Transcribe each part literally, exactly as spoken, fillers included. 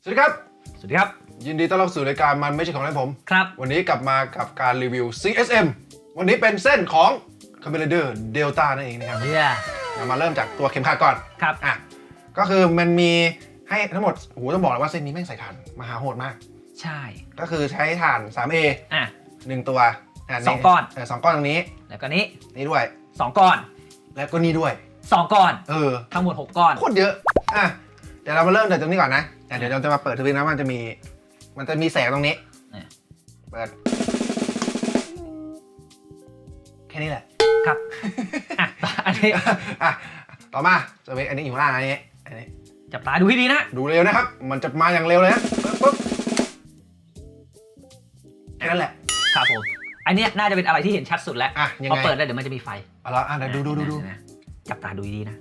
วัสดีครับสวัสดีครับยินดีต้อนรับสู่รายการมันไม่ใช่ของเล่นผมครับวันนี้กลับมากับการรีวิว ซี เอส เอ็ม วันนี้เป็นเส้นของ Kamen Rider Delta นั่นเองนะครับ yeah. เรามาเริ่มจากตัวเข็มขัดก่อนครับอ่ะก็คือมันมีให้ทั้งหมดโอ้โหต้องบอกเลยว่าเส้นนี้แม่งใส่ถ่านมหาโหดมากใช่ก็คือใช้ถ่าน ทรี เออ่ะหนึ่งตัวสองก้อนเออสองก้อนตรงนี้แล้วก็นี้นี่ด้วยสองก้อนแล้วก็นี่ด้วยสองก้อนเออทั้งหมดหกก้อนโคตรเยอะอ่ะเดี๋ยวเรามาเริ่มจากตรงนี้ก่อนนะเดี๋ยวเราจะมาเปิดทวิตนะมันจะมีมันจะมีแสงตรงนี้เปิดแค่นี้แหละครับอ่ะอันนี้อ่ะต่อมาจะเป็นอันนี้อยู่ข้างล่างอันนี้อันนี้จับตาดูให้ดีนะดูเร็วนะครับมันจะมาอย่างเร็วเลยนะปุ๊บแค่นั้นแหละครับผมอันนี้น่าจะเป็นอะไรที่เห็นชัดสุดแล้วอ่ะยังไงพอเปิดได้เดี๋ยวมันจะมีไฟเอาละอ่ะเดี๋ยวดูดูดูดูจับตาดูดีนะ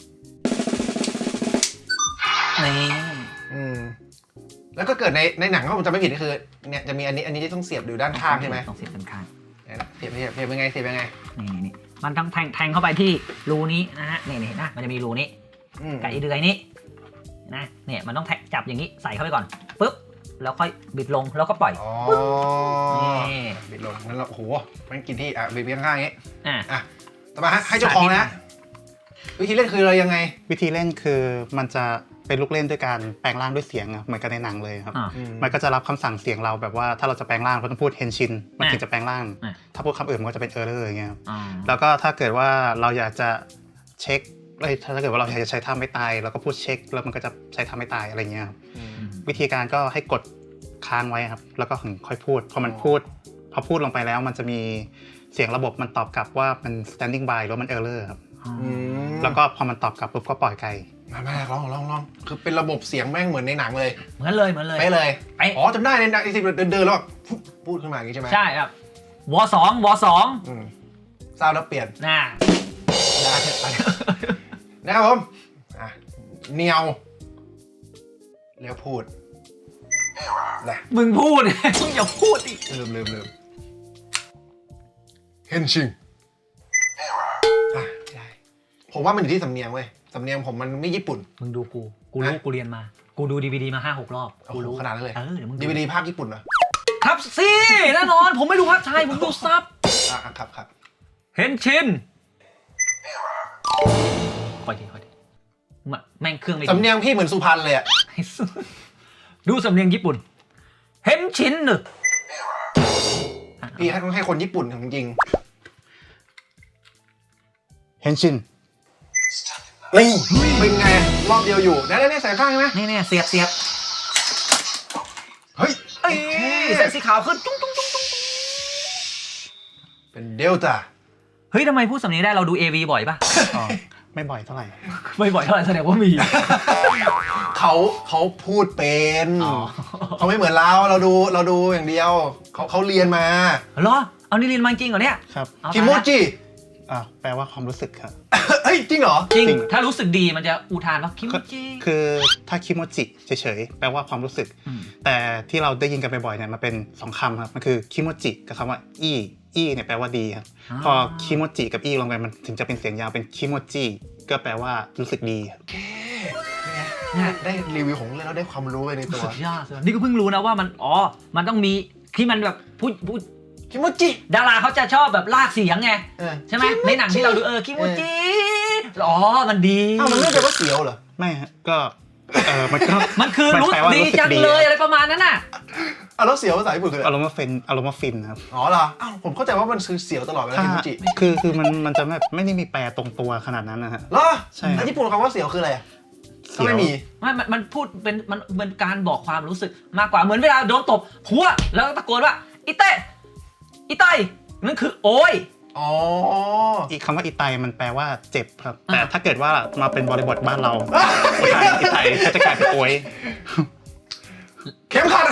นี่อืมแล้วก็เกิดในในหนังถ้าผมจำไม่ผิดก็คือเนี่ยจะมีอันนี้อันนี้ที่ต้องเสียบอยู่ด้านข้างใช่ไหมต้องเสียบด้านข้างเสียบเสียบเสียบยังไงเสียบยังไงนี่นี่มันต้องแทงแทงเข้าไปที่รูนี้นะฮะนี่นี่นะมันจะมีรูนี้ไก่เดือยนี้นะเนี่ยมันต้องแทงจับอย่างนี้ใส่เข้าไปก่อนปุ๊บแล้วค่อยบิดลงแล้วก็ปล่อยอ๋อนี่บิดลงงั้นเราโอ้โหมันกินที่อ่ะบิดไปข้างๆอย่างนี้อ่ะอ่ะต่อมาให้เจ้าของนะวิธีเล่นคืออะไรยังไงวิธีเล่นคือมันจะเป็นลูกเล่นด้วยการแปลงร่างด้วยเสียงเหมือนกันในหนังเลยครับมันก็จะรับคำสั่งเสียงเราแบบว่าถ้าเราจะแปลงร่างเราต้องพูดเฮนชินมันถึงจะแปลงร่างถ้าพูดคำอื่นมันก็จะเป็นเออร์เลอร์อย่างเงี้ยแล้วก็ถ้าเกิดว่าเราอยากจะเช็คถ้าเกิดว่าเราอยากจะใช้ท่าไม่ตายเราก็พูดเช็คแล้วมันก็จะใช้ท่าไม่ตายอะไรเงี้ยวิธีการก็ให้กดค้างไว้ครับแล้วก็ถึงค่อยพูดพอมันพูดพอพูดลงไปแล้วมันจะมีเสียงระบบมันตอบกลับว่ามัน standing by หรือมันเออร์เลอร์ครับแล้วก็พอมันตอบกลับปุ๊บก็ปล่อยไกลมาไม่ลองลองลองคือเป็นระบบเสียงแม่งเหมือนในหนังเลยเหมือนเลยเหมือนเลยไปเลยอ๋อจำได้ในหนังที่เดินเดินแล้วพูดขึ้นมาอย่างนี้ใช่ไหมใช่ครับวอสองวอสองซาวแล้วเปลี่ยนน่าได้นะครับผมเนียวแล้วพูดนะมึงพูดมึงอย่าพูดดิลืมลืมลืมเฮนชิงอ่ะได้ผมว่ามันอยู่ที่สำเนียงเว้ยสำเนียงผมมันไม่ญี่ปุ่นมึงดูกูกูรู้กูเรียนมากูดูดีวีดีมาห้าหกรอบกูรู้ขนาดนั้นเลยเออเดี๋ยวมึงดีวีดีภาคญี่ปุ่นเหรอครับสิแน่นอนผมไม่ดูภาคไทยผมดูซับอ่ะครับครับเฮนชินค่อยดีค่อยดีแม่งเครื่องไม่สำเนียงพี่เหมือนสุพรรณเลยอะดูสำเนียงญี่ปุ่นเฮนชินหนึ่งพี่ให้ต้องให้คนญี่ปุ่นจริงเฮนชินนี่เป็นไงรอบเดียวอยู่ได้ได้ได้ใส่ข้างใช่ไหมนี่เนี่ยเสียบเสียบเฮ้ยเอ้ยเส้นสีขาวขึ้นจุ้งจุ้งจุ้งจุ้งเป็นเดลต้าเฮ้ยทำไมพูดสำเนียงได้เราดู เอ วี บ่อยป่ะไม่บ่อยเท่าไหร่ไม่บ่อยเท่าไหร่แสดงว่ามีเขาเขาพูดเป็นเขาไม่เหมือนเราเราดูเราดูอย่างเดียวเขาเขาเรียนมาเหรอเอานี่เรียนมาจริงเหรอเนี่ยครับคิโมจิอ่ะแปลว่าความรู้สึกครับเฮ้ยจริงเหรอจริงถ้ารู้สึกดีมันจะอุทานว่าคิโมจิคือถ้าคิโมจิเฉยๆแปลว่าความรู้สึกแต่ที่เราได้ยินกันบ่อยๆเนี่ยมันเป็นสองคำครับมันคือคิโมจิกับคำว่าอีอีเนี่ยแปลว่าดีครับพอคิโมจิกับอีลงไปมันถึงจะเป็นเสียงยาวเป็นคิโมจิก็แปลว่ารู้สึกดีโอเคเนี่ยได้รีวิวของเรื่องแล้วได้ความรู้ไปในตัวสุดยอดนี่ก็เพิ่งรู้นะว่ามันอ๋อมันต้องมีที่มันแบบพูดพูดคิโมจิดาราเขาจะชอบแบบลากเสียงไงใช่ไหมในหนังที่เราดูเออคิโมจิอ๋อมันดีอ้าวมันไม่ใช่ว่าเสียวเหรอไม่ฮะก็เออมันก็มันคือรู้ดีจังเลยอะไรประมาณนั้นน่ะอ่ะแล้วเสียวภาษาญี่ปุ่นคืออารมณ์ว่าฟินอารมณ์ว่าฟินครับอ๋อเหรออ้าวผมเข้าใจว่ามันคือเสียวตลอดเวลาคิโมจิคือคือมันมันจะแบบไม่ได้มีแปลตรงตัวขนาดนั้นนะฮะเหรอใช่ญี่ปุ่นคำว่าเสียวคืออะไรก็ไม่มีไม่มันพูดเป็นมันเป็นการบอกความรู้สึกมากกว่าเหมือนเวลาโดนตบหัวแล้วตะโกนว่าอิเตะอิไตนั่นคือโอยอ๋ออีกคำว่าอิไตมันแปลว่าเจ็บครับแต่ถ้าเกิดว่ามาเป็นบริบทบ้านเราอิไตก็จะกลายเป็นโอยเข็มขัด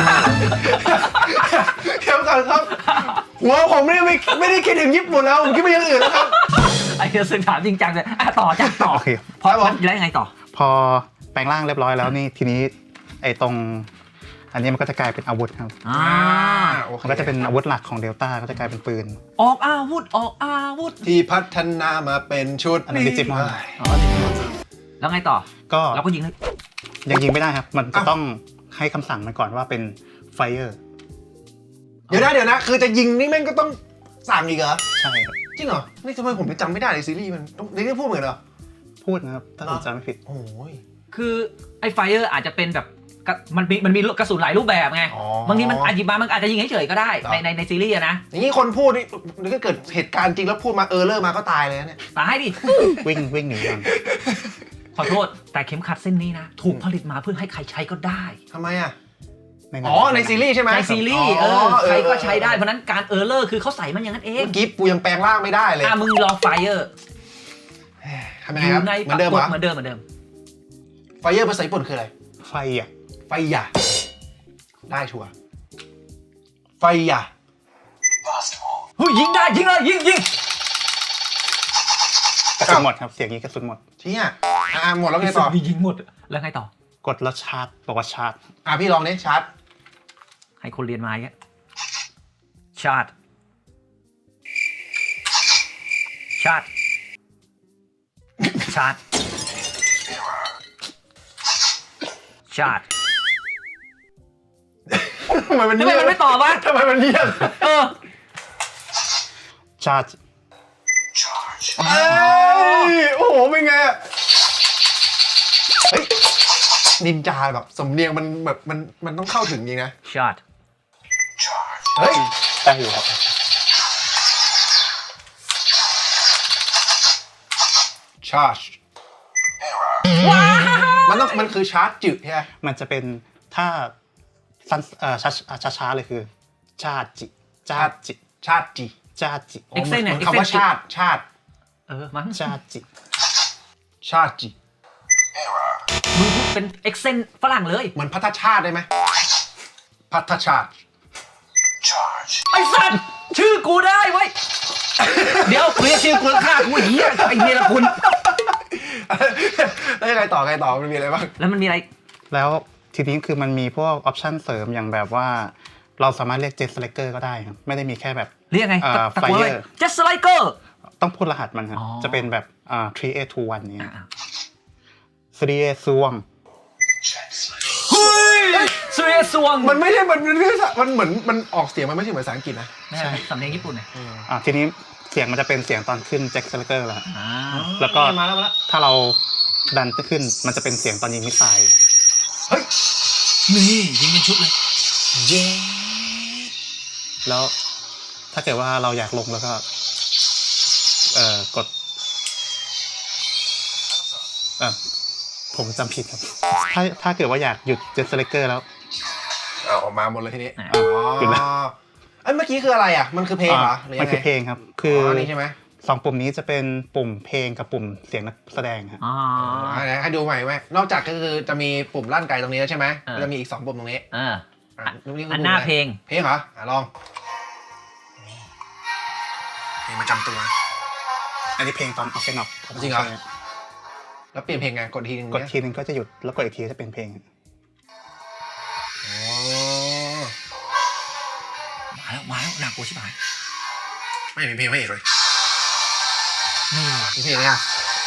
เข็มขัดครับหัวผมไม่ได้ไม่ได้คิดถึงญี่ปุ่นแล้วผมคิดไปอย่างอื่นแล้วครับไอ้เรื่องสึกถามจริงจังเลยต่อจ้ะต่อพอแล้วยังไงต่อพอแปลงร่างเรียบร้อยแล้วนี่ทีนี้ไอ้ตรงอันนี้มันก็จะกลายเป็นอาวุธครับอ่ามันก็จะเป็นอาวุธหลักของเดลต้าก็จะกลายเป็นปืนออกอาวุธออกอาวุธที่พัฒนามาเป็นชุดอันนี้ดิจิมอนแล้วไงต่อก็เราก็ยิงยังยิงไม่ได้ครับมันจะต้องให้คำสั่งมันก่อนว่าเป็น fire เดี๋ยวนะเดี๋ยวนะคือจะยิงนี่แม่งก็ต้องสั่งอีกเหรอใช่ครับจริงเหรอนี่ทำไมผมจำไม่ได้ในซีรีส์มันต้องในนี้พูดเหมือนเหรอพูดนะครับถ้าผมจำไม่ผิดโอ้ยคือไอ้ไฟเออร์อาจจะเป็นแบบกระมันมีมันมีกระสุนหลายรูปแบบไงอ๋อบางทีมันอาจจะมามันอาจจะยิงเฉยๆก็ได้เหรอในในในซีรีส์อะนะอย่างนี้คนพูดนี่ถ้าเกิดเหตุการณ์จริงแล้วพูดมาเออเลอร์มาก็ตายเลยนะเนี่ยตายดิวิ่งวิ่งหนีก่อนขอโทษแต่เข็มขัดเส้นนี้นะ ถูกผลิตมาเพื่อให้ใครใช้ก็ได้ทำไมอ่ะในหนังอ๋อในซีรีส์ใช่ไหมในซีรีส์เออ๋ออใครก็เออใช้ได้เพราะนั้นการเออร์เลอร์คือเขาใส่มันอย่างนั้นเองเมื่อกี้ปูยังแปลงร่างไม่ได้เลยอ่ะมึงลองไฟเออร์ทำยังอไงครับยู่ในเหมือนเดิมเหรอเหมือนเดิมเหมือนเดิมไฟเยอร์ภาษาญี่ปุ่นคืออะไรไฟอ่ะไฟหยาได้ชัวร์ไฟหยาเฮ้ยยิงได้ยิงเลยยิงยิงกระสุนหมดครับเสียงนี้กระสุนหมดเชี่ยอ่ะหมดแล้วไงต่อยิงหมดแล้วไงต่อกดแล้วชาร์จบอกว่าชาร์จอ่ะพี่ลองนี้ชาร์จให้คนเรียนมาอย่างเงี้ยชาร์จชาร์จชาร์จชาร์จทำไมมันทำไมเงียบมันไม่ตอบวะทำไมมันเงียบเออชาร์จเอ้ยโอ้โหเป็นไงอะเฮ้ยนินจาแบบสำเนียงมันแบบมันมันต้องเข้าถึงจริงนะชาร์จเฮ้ยได้อยู่ครับชาร์จมันต้องมันคือชาร์จจืดใช่ไหมมันจะเป็นถ้าสั้นเอ่อช้าช้าช้าๆเลยคือชาจิชาจิชาร์จจีชาจิอ๋อเหมือนเหมือนคำว่าชาติชาติเออมั้งชาจิชาติจีมึงพูดเป็นเอ็กเซนฝรั่งเลยเหมือนพัทชาติได้ไหมพัทชาติไอ้สัตว์ชื่อกูได้เว้ย เดี๋ยวเรียกชื่อกูแล้วฆ่ากูเหี้ยไอ้เนรคุณแล้วยังไงต่อไงต่อมันมีอะไรบ้างแล้วมันมีอะไรแล้วทีนี้คือมันมีพวกออปชันเสริมอย่างแบบว่า เราสามารถเรียกเจสไลเกอร์ก็ได้ครับไม่ได้มีแค่แบบเรียกไงเอ่อตะโกนเลย Fire เจสไลเกอร์ต้องพูดรหัสมันครับอ๋อจะเป็นแบบอ่า three eight two one เนี่ย three eight two one เฮ้ยเสียสวงมันไม่ใช่มันมันไม่ใช่มันเหมือนมันออกเสียงมันไม่ใช่เหมือนภาษาอังกฤษนะไม่ใช่สำเนียงญี่ปุ่นเนี่ยอ่าทีนี้เสียงมันจะเป็นเสียงตอนขึ้นแจ็คสไลเกอร์แล้วครับอ่าแล้วก็มาแล้วมาแล้วถ้าเราดันขึ้นมันจะเป็นเสียงตอนยิงมิสไซล์เฮ้ยนี่ยิงเป็นชุดเลยเย้แล้วถ้าเกิดว่าเราอยากลงแล้วก็เอ่อกดเอ่อผมจำผิดครับ ถ้าถ้าเกิดว่าอยากหยุดเจ็ตสไลเกอร์แล้วเอาออกมาหมดเลยทีนี้อ่ะอ๋อหยุดแล้วเอ้ยเมื่อกี้คืออะไรอ่ะมันคือเพลงเหรอหรือมัยันงไงคือเพลงครับ คืออ๋ออนี่ใช่ไหมสองปุ่มนี้จะเป็นปุ่มเพลงกับปุ่มเสียงนักแสดงครับอ๋ออ่าให้ดูใหม่ไหมนอกจากก็คือจะมีปุ่มลั่นไกตรงนี้แล้วใช่ไหมเออจะมีอีกสองปุ่มตรงนี้เอออ่ะนี่คือันปุ่มหน้าะไรเพลงเพลงเหรออ่ะลองเพลงประจำตัวอันนี้เพลงตอนออฟเฟนออกจริงเหรอ แล้วเปลี่ยนเพลงไงกดทีนึงกดเนี่ยทีนึงก็จะหยุดแล้วกดอีกทีจะเป็นเพลงอ๋อมาแล้วมาแล้วหนักกูชิบหายไม่มีเพลงพระเอกเลยนี่มีเพลงเนี่ย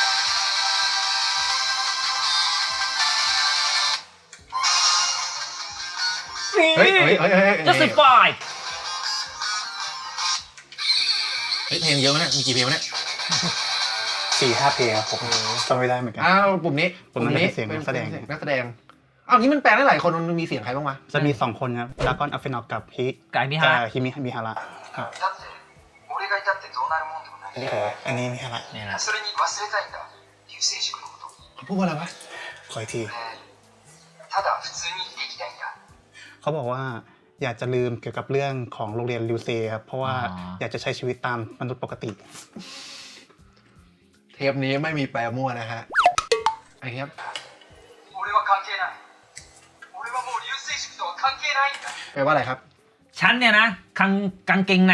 เฮ้ยเฮ้ยเฮ้ยเฮ้ยเฮ้ย justify เฮ้ยเพลงเยอะไหมเนี่ยมีกี่เพลงวะเนี่ยสี่ห้าเพลงครับผมจำไม่ได้เหมือนกันอ้าวปุ่มนี้ปุ่มนั้นเป็นเสียงนักแสดงนักแสดงอ้าวนี้มันแปลได้หลายคนมันมีเสียงใครบ้างวะจะมีสองคนครับดากอนออฟเฟนออกกับฮิไก่มิฮะกับฮิมิมิฮาระครับだって俺がいたってどうなるもんでもないอันนี้อันนี้มิฮาระนี่แหละそれに忘れたいんだ流星塾のことเขาพูดว่าอะไรวะขออีกที俺ただ普通に生きていきたいんだเขาบอกว่าอยากจะลืมเกี่ยวกับเรื่องของโรงเรียนลิวเซครับเพราะว่าอยากจะใช้ชีวิตตามมนุษย์ปกติเทปนี้ไม่มีแปลมั่วนะฮะไอ้ครับ俺は関係ない俺はもう流星塾とは関係ないんだแปลว่าอะไรครับฉันเนี่ยนะคังกางเกงใน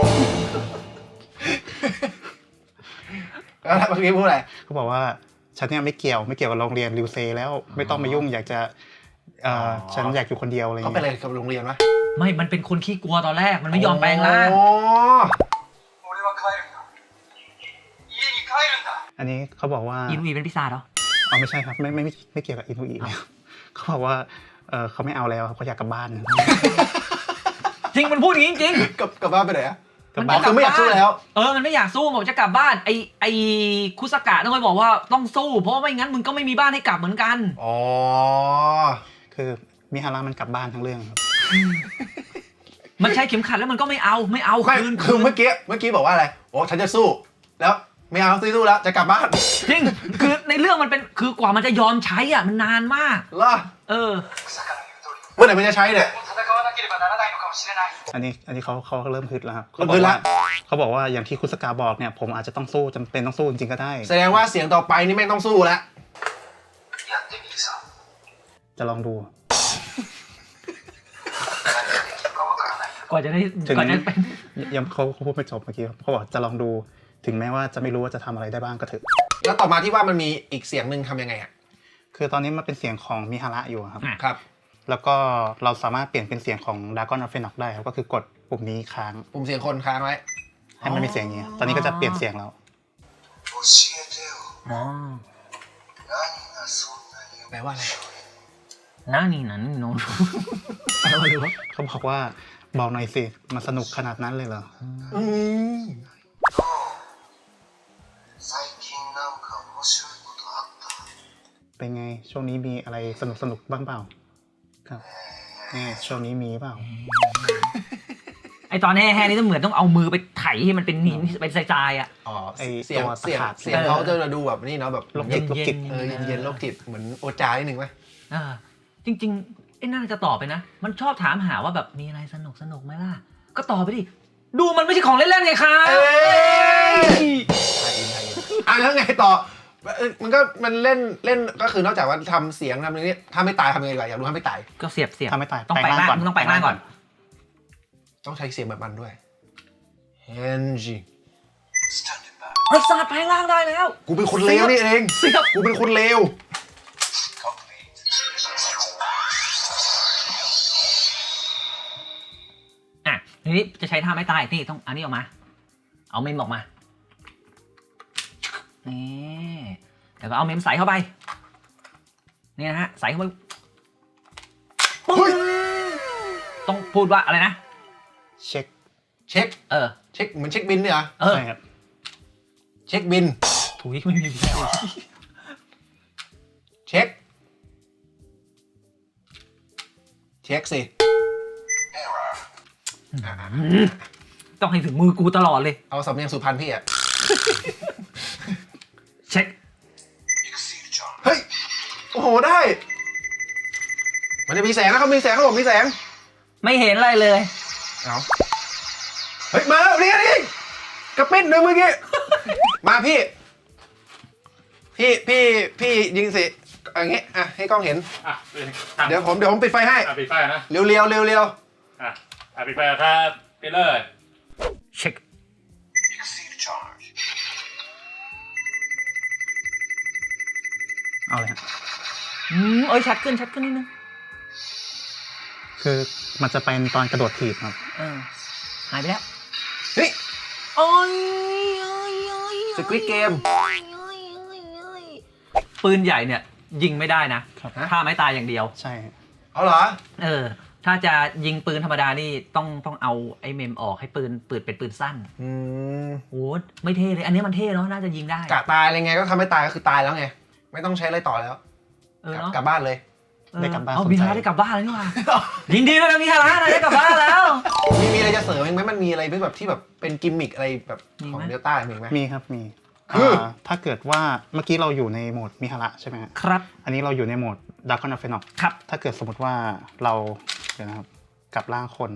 แล้วเมื่อกี้พูดอะไรเขาบอกว่าฉันเนี่ยไม่เกี่ยวไม่เกี่ยวกับโรงเรียนลิวเซแล้วไม่ต้องมายุ่งอยากจะเอ่อฉันอยากอยู่คนเดียวอะไรเขาเป็นเงี้ยอะไรกับโรงเรียนวะไม่ มันเป็นคนขี้กลัวตอนแรก มันไม่ยอมแปลงร่างอ๋อ俺は帰るんだ家に帰るんだอันนี้เขาบอกว่าอินุอีเป็นพิซซ่าเหรออ๋อไม่ใช่ครับไม่ไม่ไม่ไม่เกี่ยวกับอินุอีแล้วเขาบอกว่าเออเขาไม่เอาแล้วเขาอยากกลับบ้านจริงมันพูดอย่างนี้จริงกลับกลับบ้านไปไหนอะกลับมันบ้านจะคือไม่อยากสู้แล้วเออมันไม่อยากสู้บอกจะกลับบ้านไอไอคุสกะต้องไปบอกว่าต้องสู้เพราะว่าไม่งั้นมึงก็ไม่มีบ้านให้กลับเหมือนกันอ๋อคือมิฮาระมันกลับบ้านทั้งเรื่องครับมันใช้เข็มขัดแล้วมันก็ไม่เอาไม่เอาไม่คืนคือเมื่อกี้เมื่อกี้บอกว่าอะไรโอ้ฉันจะสู้ แล้วไม่เอาสู้แล้วจะกลับบ้านจริงคือในเรื่องมันเป็นคือกว่ามันจะยอมใช้อ่ะมันนานมากเหรอเออ草から言う通りเมื่อไหร่มันจะใช้เนี่ย戦わなければならないのかもしれないอันนี้อันนี้เขาเขาเริ่มฮึดแล้วครับเริ่เขามบฮึอกดละว่าเขาบอกว่าอย่างที่คุสกาบอกเนี่ยผมอาจจะต้องสู้จำเป็นต้องสู้จริงๆก็ได้แสดงว่าเสียงต่อไปนี่แม่งต้องสู้แล้วやってみるさจะลองดู何ができるかわからないกว่าจะได้ถึงกว่าจะเป็นยังเขาเขาพูดไม่จบเมื่อกี้ครับเขาบอกจะลองดูถึงแม้ว่าจะไม่รู้ว่าจะทำอะไรได้บ้างก็เถอะแล้วต่อมาที่ว่ามันมีอีกเสียงหนึ่งทำยังไงอ่ะคือตอนนี้มันเป็นเสียงของมิฮาระอยู่ครับอ่ะครับแล้วก็เราสามารถเปลี่ยนเป็นเสียงของดากอนอฟเฟนอกได้ครับก็คือกดปุ่มนี้ค้างปุ่มเสียงคนค้างไว้ให้มันมีเสียงอย่างนี้ตอนนี้ก็จะเปลี่ยนเสียงแล้ว教えてよอ๋อ何がそんなにแปลว่าอะไรนั่นนี่นั่นโน้นแปลว่าอะไรวะเขาบอกว่าบอกหน่อยสิมันสนุกขนาดนั้นเลยเหรออืม最近なんか面白いことあったเป็นไงช่วงนี้มีอะไรสนุกสนุกบ้างเปล่าครับนี่ช่วงนี้มีเปล่าไอตอนแห่ๆนี่ต้องเหมือนต้องเอามือไปไถให้มันเป็นหินเป็นทรายๆอ่ะอ๋อไอ้เสียงตัวเสียงตะขาบเสียงเขาจะดูแบบนี่เนาะแบบโรคจิตโรคจิตเออเย็นๆโรคจิตเหมือนโอจานิดนึงไหมเออจริงๆไอ้น่าจะตอบไปนะ มันชอบถามหาว่าแบบมีอะไรสนุกสนุกไหมล่ะ ก็ตอบไปดิ ดูมันไม่ใช่ของเล่นๆไงครับเอ้ยไทยอินไทยอินอ่ะแล้วไงต่อเอ้ยมันก็มันเล่นเล่นก็คือนอกจากว่าทำเสียงทำอะไรนี้ถ้าไม่ตายทำยังไงดีกว่าอยากรู้ถ้าไม่ตายก็เสียบเสียบถ้าไม่ตายต้องแปลงร่างแปลงร่างก่อนมึงต้องแปลงร่างก่อนต้องใช้เสียงแบบมันด้วยเฮนจิ Standing by ไอ้สัตว์แปลงร่างได้แล้วกูเป็นคนเลวนี่เองเสียบกูเป็นคนเลว complete อ่ะทีนี้จะใช้ท่าไม่ตายนี่ต้องอันนี้ออกมา เอาเมมออกมา นี่แล้วก็เอาเมมใส่เข้าไป นี่นะฮะ ใส่เข้าไปปึ้งต้องพูดว่าอะไรนะเช็คเช็คเออเช็คเหมือนเช็คบินเนี่ยเหรอเออใช่ครับเช็คบินถุยไม่มีเช็ค เช็คสิ error ต้องให้ถึงมือกูตลอดเลยเอาสำเนียงสุพรรณพี่อะเช็ค exceed charge เฮ้ย โอ้โห ได้ มันจะมีแสงนะครับ มีแสงครับผมมีแสงไม่เห็นอะไรเลยเอาเฮ้ย มาแล้วนี่นี่กระปิ้นหนึ่งเมื่อกี้ มาพี่ พี่ พี่ พี่ยิงสิอย่างงี้ อ่ะ ให้กล้องเห็นอ่ะเดี๋ยวผม เดี๋ยวผมปิดไฟให้อ่ะปิดไฟนะเร็วเร็วเร็วเร็วอ่ะอ่ะปิดไฟครับปิดเลยเช็ค exceed charge เอาเลยครับอืมเอ้ยชัดขึ้นชัดขึ้นนิดนึงคือมันจะเป็นตอนกระโดดถีบครับเออหายไปแล้วเฮ้ยโอ้ยโอ้ยโอ้ยสควิดเกมปืนใหญ่เนี่ยยิงไม่ได้นะครับถ้าไม่ตายอย่างเดียวใช่เอาเหรอเออ ถ้าจะยิงปืนธรรมดานี่ต้องต้องเอาไอ้เมมออกให้ปืนปืนเป็นปืนสั้นอืมโอ้ไม่เท่เลย อันนี้มันเท่เนาะน่าจะยิงได้กะตายอะไรไงก็ทำให้ตายก็คือตายแล้วไง ไม่ต้องใช้อะไรต่อแล้วเออกลับเนาะกลับบ้านเลยเออได้กลับบ้านเอาสนใจมีฮาระได้กลับบ้านแล้วนี่หว่า ยินดีด้วยนะมีฮาระนะได้กลับบ้านแล้วมีมีอะไรจะเสริมอีกไหมมันมีอะไรแบบที่แบบเป็นกิมมิคอะไรแบบมีไหมของเดลต้ามีไหมมีครับมีคืออ่าถ้าเกิดว่าเมื่อกี้เราอยู่ในโหมดมิฮาระใช่ไหมฮะครับอันนี้เราอยู่ในโหมดดากอนอฟเฟนอกครับถ้าเกิดสมมติว่าเราเดี๋ยวนะครับกลับร่างคน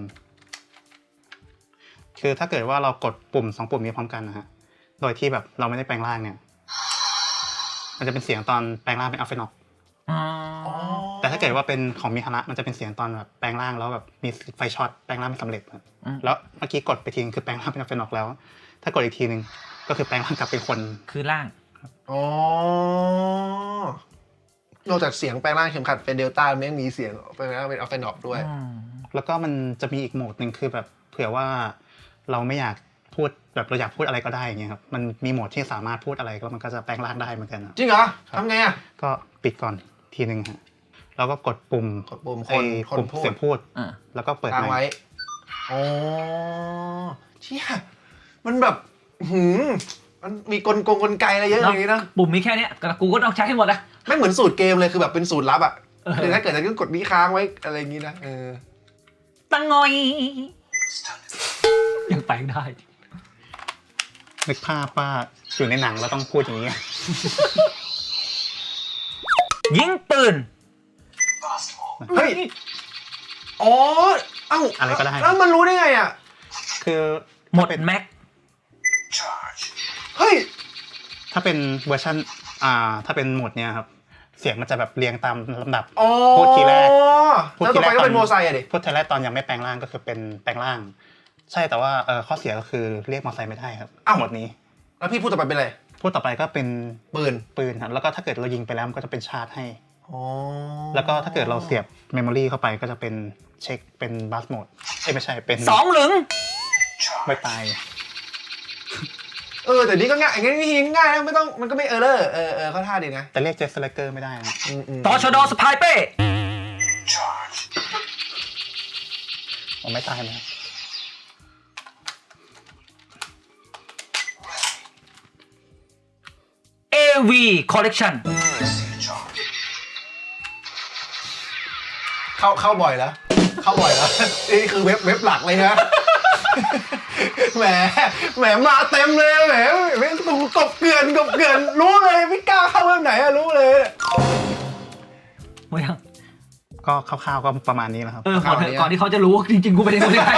คือถ้าเกิดว่าเรากดปุ่มสองปุ่มนี้พร้อมกันนะฮะโดยที่แบบเราไม่ได้แปลงร่างเนี่ย มันจะเป็นเสียงตอนแปลงร่างเป็นอัลเฟนอกอ๋อแต่ถ้าเกิดว่าเป็นของมิฮาระมันจะเป็นเสียงตอนแบบแปลงร่างแล้วแบบมีไฟช็อตแปลงร่างไม่สำเร็จครับอืมแล้วเมื่อกี้กดไปทีนึงคือแปลงร่างเป็นอัลเฟนอกแล้ว ถ้ากดอีกทีนึงก็คือแปลงร่างกลับเป็นคนคือล่างอ๋อนอกจากเสียงแปลงร่างเข็มขัดเป็นเดลต้ามันยังมีเสียงแปลงร่างเป็นอัลเฟนอปด้วยอืมแล้วก็มันจะมีอีกโหมดหนึ่งคือแบบเผื่อว่าเราไม่อยากพูดแบบเราอยากพูดอะไรก็ได้อย่างเงี้ยครับมันมีโหมดที่สามารถพูดอะไรก็มันก็จะแปลงร่างได้เหมือนกันครับจริงเหรอทำไงอ่ะก็ปิดก่อนทีหนึ่งฮะแล้วก็กดปุ่มกดปุ่มคไอ้นคนปุ่มพูดเสียงพูดอ่าแล้วก็เปิดค้างไมไว้ค์อ๋อเชี่ยมันแบบหืมมันมีกลกงกลไกอะไรเยอะอย่างนี้นะปุ่มมีแค่เนี้ยแต่กูก็ต้องใช้ให้หมดนะไม่เหมือนสูตรเกมเลยคือแบบเป็นสูตรลับอ่ะเออคือถ้าเกิดจะกดนี้ค้างไว้อะไรอย่างนี้นะเออตังงอยยังแปลงได้นึกภาพว่าอยู่ในหนังแล้วต้องพูดอย่างนี้ยิงปืนเฮ้ยอ๋อเอ้าอะไรก็ได้แล้วมันรู้ได้ไงอ่ะคือหมดถ้าเป็นแม็กเฮ้ยถ้าเป็นเวอร์ชันอ่าถ้าเป็นโหมดเนี้ยครับเสียงมันจะแบบเรียงตามลำดับอ๋อพูดทีแรกพูดแล้วทีต่อแรไปกก็เป็นโมไซค์อะดิพูดทีแรกตอนยังไม่แปลงร่างก็คือเป็นแปลงร่าง ใช่แต่ว่าเออข้อเสียก็คือเรียกมอไซค์ไม่ได้ครับโหมดนี้แล้วพี่พูดต่อไปเป็นอะไรพูดต่อไปก็เป็นปืนปืนครับแล้วก็ถ้าเกิดเรายิงไปแล้วมันก็จะเป็นชาร์จให้อ๋อแล้วก็ถ้าเกิดเราเสียบเมมโมรีเข้าไปก็จะเป็นเช็คเป็นบัสโหมดเอ้ยไม่ใช่เป็นสองหลึงไม่ตายเออแต่นี่ก็ง่ายอย่างนี้วิธีง่ายนะไม่ต้องมันก็ไม่เออร์เลอร์เออเออเข้าท่าดีนะแต่เรียกเจสสไลเกอร์ไม่ได้นะอืมอืมต่อชดสปายเป้ผมไม่ตายนะเอ วี Collection เข้าเข้าบ่อยแล้วเข้าบ่อยแล้วนี่คือเว็บเว็บหลักเลยนะ แหมแหมมาเต็มเลยแหมแหมกบเกลื่อนกบเกลื่อนรู้เลยไม่กล้าเข้าเว็บไหนอะรู้เลยหมดยังก็คร่าวๆก็ประมาณนี้แหละครับเออก่อนเถอะก่อนที่เขาจะรู้ว่าจริงๆกูไม่ได้รู้ได้ไง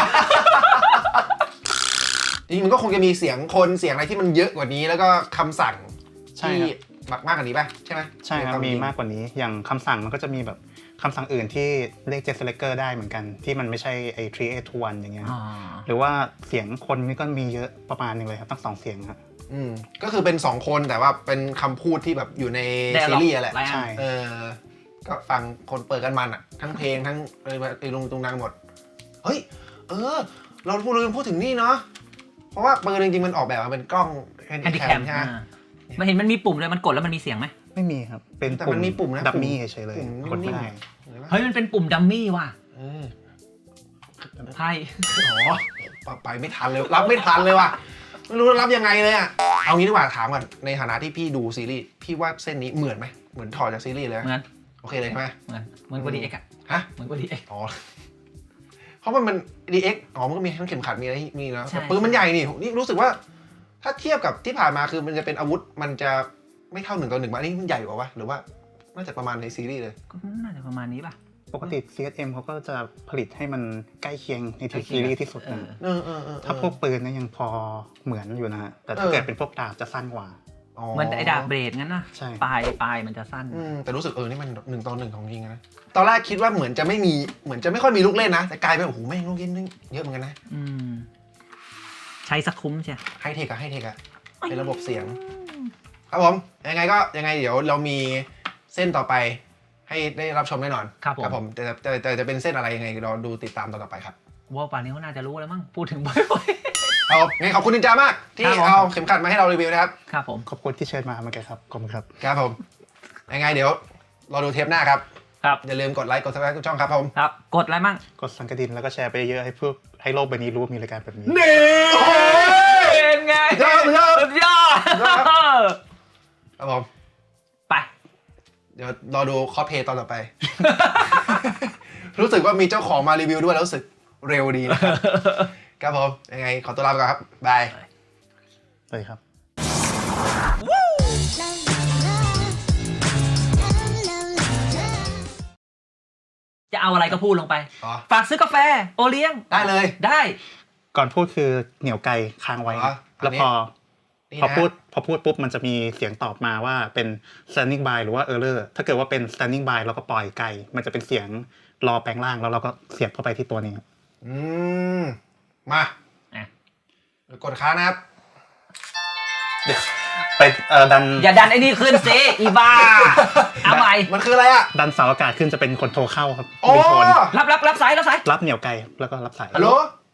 จริงๆมันก็คงจะมีเสียงคนเสียงอะไรที่มันเยอะกว่านี้แล้วก็คำสั่งใช่ที่ครับมากกว่านี้ป่ะใช่ไหมใช่ครับในวมีจงมากกว่านี้อย่างคำสั่งมันก็จะมีแบบคำสั่งอื่นที่เรียกเจสสไลเกอร์ได้เหมือนกันที่มันไม่ใช่ไอ้ทรีเอทวันอย่างเงี้ยอ๋อหรือว่าเสียงคนนี่ก็มีเยอะประมาณหนึงเลยครับตั้งสองเสียงครับอืมก็คือเป็นสองคนแต่ว่าเป็นคำพูดที่แบบอยู่ในได้ซีรีส์อะแหละหลายอันใช่เออก็ฟังคนเปิดกันมันอ่ะ ทั้งเพลงทั้งไอ้ลุงตุงนางหมด เฮ้ย เออ เราพูดลืมพูดถึงนี่เนาะเพราะว่าปืนจริงๆมันออกแบบมาเป็นกล้องแฮนแฮนดี้ดิแคแคมมใช่ไหมมันเห็นมันมีปุ่มเลยมันกดแล้วมันมีเสียงไหมไม่มีครับ เป็นแต่มันมีปุ่มนะดับมี่ปุ่มเฉยๆเลยปุ่มกดไม่ได้เห็นไหมเฮ้ยมันเป็นปุ่มดัมมี่ว่ะเออไพ่อ๋อไปไม่ทันเลยรับไม่ทันเลยว่ะไม่รู้จะรับยังไงเลยอ่ะเอางี้ดีกว่าถามก่อนในฐานะที่พี่ดูซีรีส์พี่ว่าเส้นนี้เหมือนไหมเหมือนถอดจากซีรีส์เลยไหมเหมือนโอเคเลยใช่ไหมเหมือนเหมือนกว่าดีเอ็กอะฮะเหมือนกว่าดีเอ็กอ๋อ เพราะมันมัน ดี เอ็กซ์ อ๋อ มันก็มีทั้งเข็มขัดมีอะไรมีแล้วใช่แต่ปืนมันใหญ่นี่นี่รู้สึกว่า ถ้าเทียบกับที่ผ่านมาคือมันจะเป็นอาวุธมันจะไม่เท่าหนึ่งต่อหนึ่งมาอันนี้มันใหญ่กว่าวะหรือว่าน่าจะประมาณในซีรีส์เลยก็น่าจะประมาณนี้ป่ะปกติ ซี เอส เอ็ม เขาก็จะผลิตให้มันใกล้เคียงในใกล้ทีเคียงซีรีส์ที่สุดเอนะอเออเออเออถ้าพวกปืนเนี่ยยังพอเหมือนอยู่นะฮะแต่ถ้าเออเกิดเป็นพวกดาบจะสั้นกว่าเหมือนไอ้ดาบเบรดงั้นนะใช่ปลายปลายมันจะสั้นอืมแต่รู้สึกเออนี่มันหนึ่งต่อหนึ่งของจริงนะ ตอนแรกคิดว่าเหมือนจะไม่มีเหมือนจะไม่ค่อยมีลูกเล่นนะ แต่กลายเป็นโอ้โหแม่งลูกเล่นนึงเยอะเหมือนกันนะอืมใช้สักคุ้มใช่ไฮเทคอะไฮเทคอะเป็นระบบเสียง ครับผม ยังไงก็ยังไงเดี๋ยวเรามีเส้นต่อไป ให้ได้รับชมแน่นอนครับผมผมแต่แต่แต่จะเป็นเส้นอะไรยังไงเราดูติดตามตอนต่อไปครับว่าป่านนี้เขาน่าจะรู้แล้วมั้งพูดถึงบ่อยเอางั้นขอบคุณนินจามาก ที่ครับผมเอาเข็มขัดมาให้เรารีวิวนะครับๆครับผมขอบคุณที่เชิญมาเหมือนกันครับขอบคุณครับครับผม ยังไงเดี๋ยวเราดูเทปหน้าครับครับอย่าลืมกดไลค์กดซับสไครต์ทุกช่องครับผมครับกดอะไรมั่งกดสั่นกระดิ่งแล้วก็แชร์ไปเยอะให้พวกให้โลกใบนี้รู้ว่ามีรายการแบบนี้นี่โอ้โหเป็นไงยอดยอดสุดยอดครับผมไปเดี๋ยวรอดูคอสเพลย์ตอนต่อไป รู้สึกว่ามีเจ้าของมารีวิวด้วยแล้วรู้สึกเร็วดีนะครับ ครับผม ยังไงขอตัวลาไปก่อนครับ บายสวัสดีครับจะเอาอะไรก็พูดลงไปอ๋อฝากซื้อกาแฟ โอเลี้ยงได้เลยได้ก่อนพูดคือเหนียวไกลค้างไว้อ๋อแล้วอันนี้พอนี่พอนะพูดพอพูดปุ๊บมันจะมีเสียงตอบมาว่าเป็น standing by หรือว่า error ถ้าเกิดว่าเป็น standing by เราก็ปล่อยไกล มันจะเป็นเสียงรอแปลงร่างแล้วเราก็เสียบเข้าไปที่ตัวนี้อืม มาอ่ะกดค้างนะครับไปเอ่อดันอย่าดันไอ้นี่ขึ้นสิอีบ้า เอาใหม่มันคืออะไรอ่ะดันเสาอากาศขึ้นจะเป็นคนโทรเข้าครับอ๋อรีโทนรับรับรับสายรับสายรับเหนียวไกลแล้วก็รับสายฮัลโหล